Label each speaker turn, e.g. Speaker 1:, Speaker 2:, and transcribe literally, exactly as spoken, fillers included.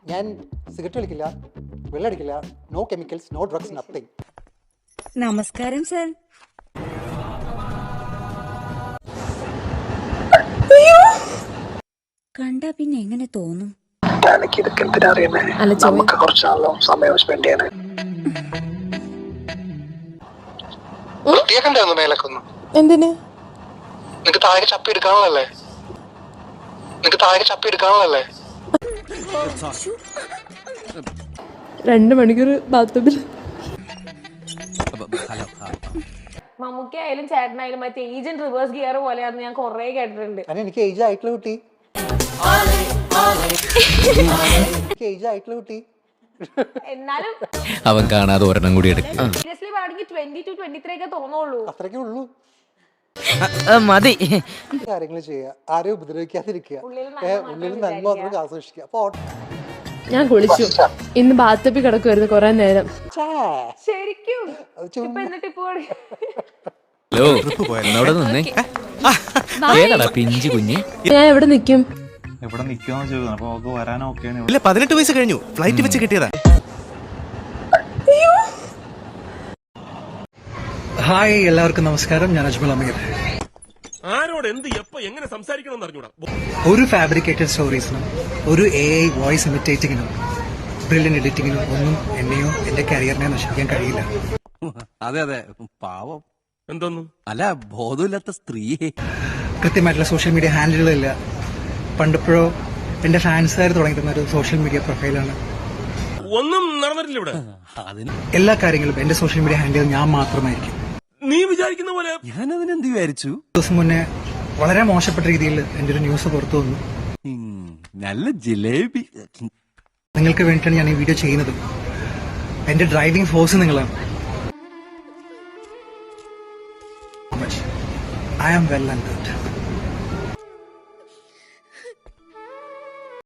Speaker 1: ഞാൻ സിഗരറ്റ് വലിക്കില്ല, വെള്ളടിക്കില്ല, no chemicals, no drugs, nothing.
Speaker 2: നമസ്കാരം സർ. കണ്ടാ പിന്നെ എങ്ങനെ തോന്നും?
Speaker 3: ഇതൊക്കെ എന്തിനാ അറിയുന്നേ? നമുക്ക് കുറച്ചാണല്ലോ സമയം സ്പെൻഡ് ചെയ്യാൻ. മേലക്കൊന്നും
Speaker 4: എന്തിന്
Speaker 3: നിനക്ക് താഴെ ചപ്പി എടുക്കാനുള്ളല്ലേ? നിനക്ക് താഴെ ചപ്പി എടുക്കാനുള്ളല്ലേ?
Speaker 4: രണ്ട് മണിക്കൂർ ബാത്റൂമിൽ.
Speaker 5: മമ്മൂക്കി ആയാലും ചേട്ടനായാലും മറ്റേ ഏജന്റ് റിവേഴ്സ് ഗിയർ പോലെയാണെന്ന് ഞാൻ കൊറേ കേട്ടിട്ടുണ്ട്.
Speaker 1: എനിക്ക് ഏജ് ആയിട്ടുള്ള കുട്ടി ഏജ് ആയിട്ടുള്ള കുട്ടി
Speaker 5: എന്നാലും
Speaker 6: അവൻ കാണാതെ ഒരെണ്ണം കൂടി എടുക്കും.
Speaker 5: സീരിയസ്ലി പറയുകയാണെങ്കിൽ ട്വന്റി ടു ട്വന്റി ത്രീ ഒക്കെ തോന്നുള്ളൂ.
Speaker 1: അത്രയ്ക്കേ ഉള്ളൂ.
Speaker 6: മതി
Speaker 1: കാര്യങ്ങൾ ചെയ്യുക, ആരെയും ഉപദ്രവിക്കാതിരിക്കുക, ഉള്ളിൽ നന്മ മാത്രം ആസ്വദിക്കുക. അപ്പൊ
Speaker 4: ഞാൻ കുളിച്ചു. ഇന്ന് ബാത്തപ്പി കിടക്കുമായിരുന്നു കുറെ നേരം.
Speaker 5: ശരിക്കും ഇപ്പൊ എന്നിട്ട് ഇപ്പൊ
Speaker 6: ഹലോ എന്നോട് നിന്നേ. ഏതാടാ പിഞ്ചു കുഞ്ഞ്?
Speaker 4: ഞാൻ എവിടെ നിക്കും?
Speaker 7: എവിടെ നിൽക്കുമെന്ന് ചോദിക്കുന്നു. അപ്പൊ അവർക്ക് വരാൻ ഓക്കെയാണ്.
Speaker 8: ഇല്ല, പതിനെട്ട് വയസ്സ് കഴിഞ്ഞു. ഫ്ലൈറ്റ് വെച്ച് കിട്ടിയതാ.
Speaker 9: ഹായ്, എല്ലാവർക്കും നമസ്കാരം. ഞാൻ അജ്മൽ അമീർ.
Speaker 10: ആരോട് എന്ത് എപ്പോ എങ്ങനെ സംസാരിക്കണം അറിഞ്ഞൂടാ.
Speaker 9: ഒരു ഫാബ്രിക്കേറ്റഡ് സ്റ്റോറീസിനും ഒരു എ ഐ വോയിസ് ഇമിറ്റേറ്റിങ്ങിനും ബ്രില്യൻ എഡിറ്റിങ്ങിനും ഒന്നും എന്നെയോ എന്റെ കരിയറിനെ നശിപ്പിക്കാൻ കഴിയില്ല.
Speaker 8: അതെ അതെ, പാവം.
Speaker 10: എന്തോന്നു
Speaker 8: അല്ല, ബോധമില്ലാത്ത സ്ത്രീയെ.
Speaker 9: കൃത്യമായിട്ടുള്ള സോഷ്യൽ മീഡിയ ഹാൻഡിലുകളില്ല. പണ്ടിപ്പോഴോ എന്റെ ഫാൻസുകാർ തുടങ്ങിയിരുന്ന ഒരു സോഷ്യൽ മീഡിയ പ്രൊഫൈലാണ്.
Speaker 10: ഒന്നും നടന്നിട്ടില്ല ഇവിടെ.
Speaker 8: അതിന്
Speaker 9: എല്ലാ കാര്യങ്ങളും എന്റെ സോഷ്യൽ മീഡിയ ഹാൻഡിൽ ഞാൻ മാത്രമായിരിക്കും.
Speaker 10: നീ വിചാരിക്കുന്ന പോലെ
Speaker 8: ഞാൻ അതിനെന്ത് വിചാരിച്ചു.
Speaker 9: ദിവസം മുന്നേ വളരെ മോശപ്പെട്ട രീതിയിൽ എന്റെ ഒരു ന്യൂസ് പുറത്തു വന്നു.
Speaker 8: നല്ല ജിലേബി.
Speaker 9: നിങ്ങൾക്ക് വേണ്ടിയിട്ടാണ് ഞാൻ ഈ വീഡിയോ ചെയ്യുന്നത്. എന്റെ ഡ്രൈവിംഗ് ഫോഴ്സ് നിങ്ങളാണ്. I am well and good.